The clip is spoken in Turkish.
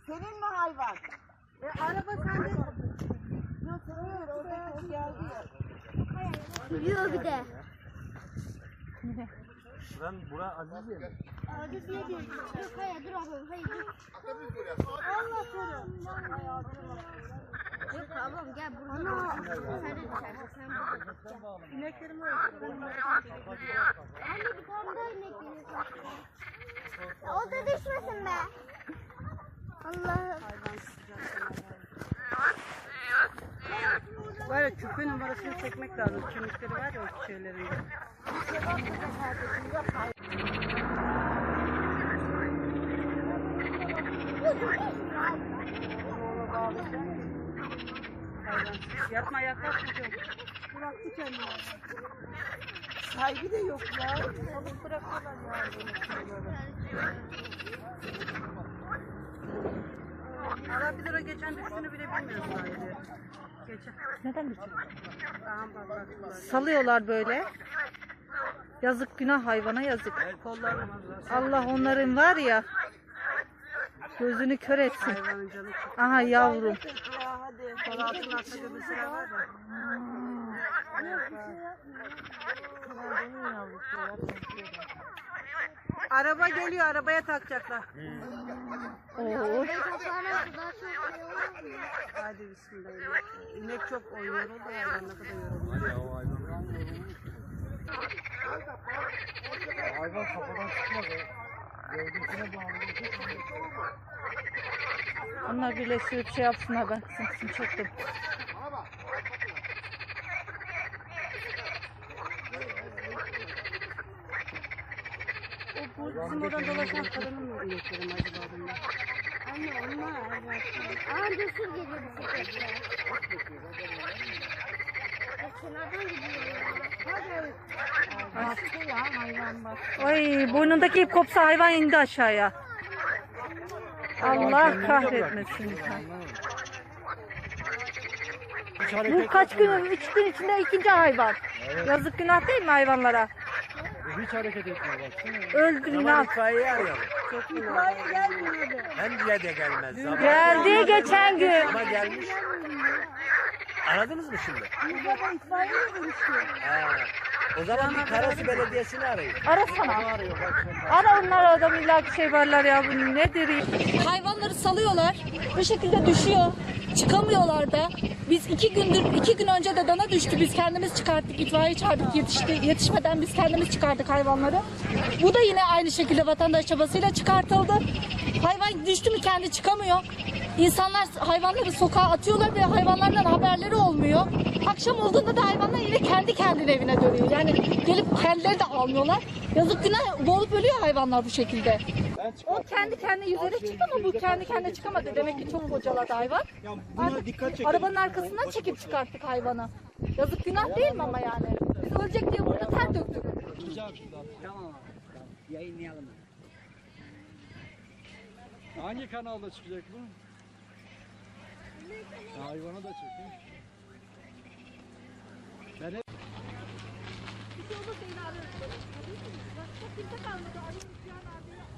Senin mi hayvan? Araba sende. Yok hayır orada ses geldi ya. Yürüyor bir de. Bura Aziziye mi? Aziziye diyor. Dur hayır dur ablam hayır dur. Allah korusun. Yok ablam gel burada. Ana. Sen de düşersin sen burada. İneklerim öyle. Anne bir tane daha inek geliyor. O da düşmesin be. Allah'ım. Böyle küpe numarasını çekmek lazım. Kemikleri var ya o şeylerin. Yapma yaklaş çocuğum. Bıraktı kendini. Sahibi de yok ya. Alıp bırakıyorlar ya. Allah bilir o geçen düştüğünü bile bilmiyoruz sadece. Geçen. Neden düşüyor? Bak. Salıyorlar böyle. Yazık günah hayvana yazık. Kollarına Allah onların var ya gözünü kör etsin. hayvanın canı çıktı. Aha yavrum. Ya hadi. Kol altına atladığı bir sıra var ya. Araba geliyor, arabaya takacaklar. Oo. Hadi bismillah. İnek çok yoruldu hayvan ne kadar yoruldu. Hayvan kafadan çıkmaz o. Gövdesine bağlı. Onlar birleştirip şey yapsınlar ben kısım çektim. Bu bizim oradan dolaşan kadının mı inekleri mi acaba bunlar? Anne onlar. Aa düşür geliyor bisikletle. Kenardan gidiyor ya. Baktı ya hayvan bak. Ay burnundaki ip kopsa hayvan indi aşağıya. Allah kahretmesin. Bu kaç gün, 3 gün içinde ikinci hayvan. Yazık günah değil mi hayvanlara? Hiç hareket etmiyor baksana. Öldürün al. İtfaiyeyi arayalım. İtfaiye gelmiyordu. Hem diye de gelmez. Geldi geçen gün. Ama gelmiş. Aradınız mı şimdi? Burada itfaiye mi görüşüyor? O zaman bir Karasu Belediyesi'ni arayın. Arasana. Ara onlar adam illa bir şey varlar ya bu nedir ya? Hayvanları salıyorlar. Bu şekilde düşüyor. Çıkamıyorlar da. Biz 2 gün önce de dana düştü. Biz kendimiz çıkarttık. İtfaiye çağırdık. Yetişmeden biz kendimiz çıkardık hayvanları. Bu da yine aynı şekilde vatandaş çabasıyla çıkartıldı. Hayvan düştü mü kendi çıkamıyor. İnsanlar hayvanları sokağa atıyorlar ve hayvanlardan haberleri olmuyor. Akşam olduğunda da hayvanlar yine kendi kendine evine dönüyor. Yani gelip kendileri de almıyorlar. Yazık günah boğulup ölüyor hayvanlar bu şekilde. O kendi kendine yüzerek çıktı ama bu kendi kendine çıkamadı. Demek ki çok bocaladı hayvan. Artık arabanın arkasından çekip çıkarttık hayvanı. Yazık günah değil mi ama yani? Biz ölecek diye burada ter döktük. Tamam. Yayınlayalım. Hangi kanalda çıkacak bu? Hayvana da çekin. Bir şey olursa yine ararız. Bak çok kimse kalmadı. Arayın,